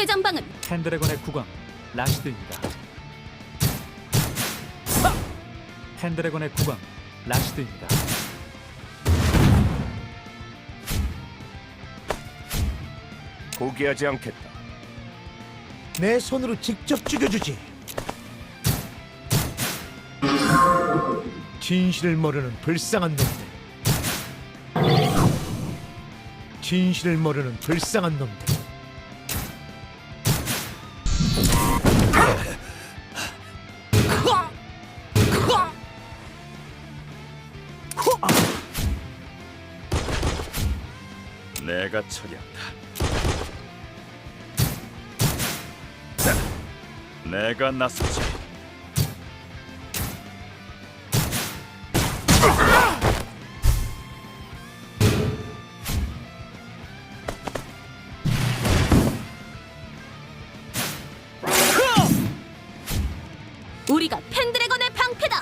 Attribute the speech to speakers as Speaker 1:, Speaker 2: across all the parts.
Speaker 1: 최전방은
Speaker 2: 펜드래곤의 국왕 라시드입니다. 펜드래곤의 국왕 라시드입니다.
Speaker 3: 포기하지 않겠다.
Speaker 4: 내 손으로 직접 죽여주지. 진실을 모르는 불쌍한 놈들. 진실을 모르는 불쌍한 놈들.
Speaker 3: 내가 처리한다. 내가 나서지.
Speaker 1: 우리가 펜드래곤의 방패다.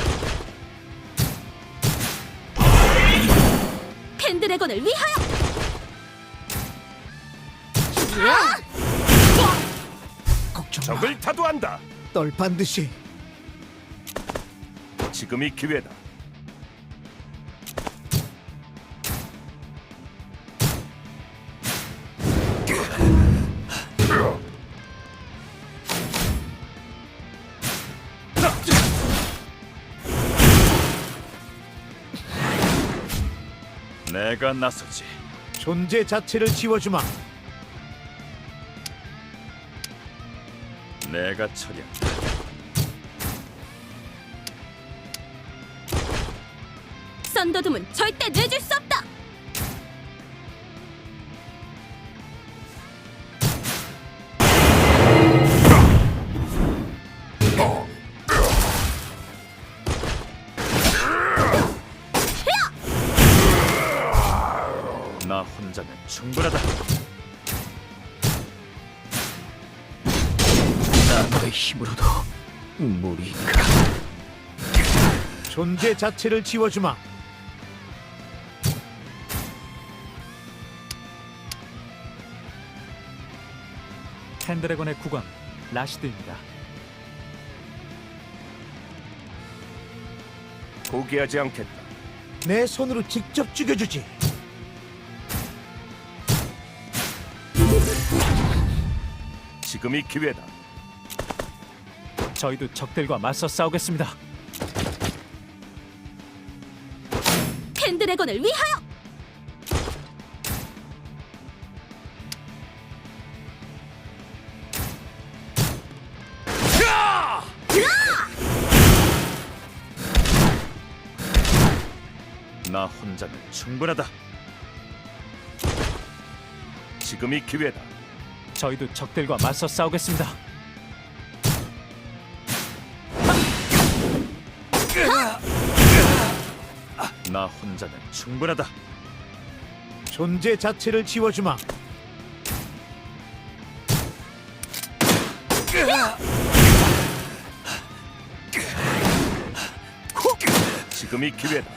Speaker 1: 펜드래곤을 위하여.
Speaker 4: 걱정 마.
Speaker 3: 적을 타도한다.
Speaker 4: 널 반드시.
Speaker 3: 지금이 기회다. 내가 나서지.
Speaker 4: 존재 자체를 지워주마.
Speaker 3: 내가 처리한다.
Speaker 1: 썬더둠은 절대 내줄 수 없다.
Speaker 3: 나 혼자면 충분하다.
Speaker 4: 나의 힘으로도 무리가. 존재 자체를 지워주마.
Speaker 2: 펜드래곤의 국왕 라시드입니다.
Speaker 3: 포기하지 않겠다.
Speaker 4: 내 손으로 직접 죽여주지.
Speaker 3: 지금이 기회다.
Speaker 2: 저희도 적들과 맞서 싸우겠습니다.
Speaker 1: 펜드래곤을 위하여.
Speaker 3: 나 혼자면 충분하다. 지금이 기회다.
Speaker 2: 저희도 적들과 맞서 싸우겠습니다.
Speaker 3: 나 혼자면 충분하다.
Speaker 4: 존재 자체를 지워주마.
Speaker 3: 지금이 기회다.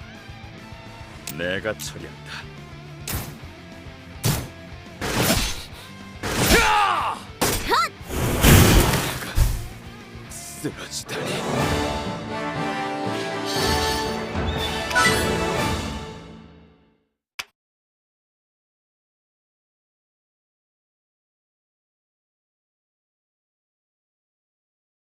Speaker 3: 내가 처리한다. 쓰러지다니.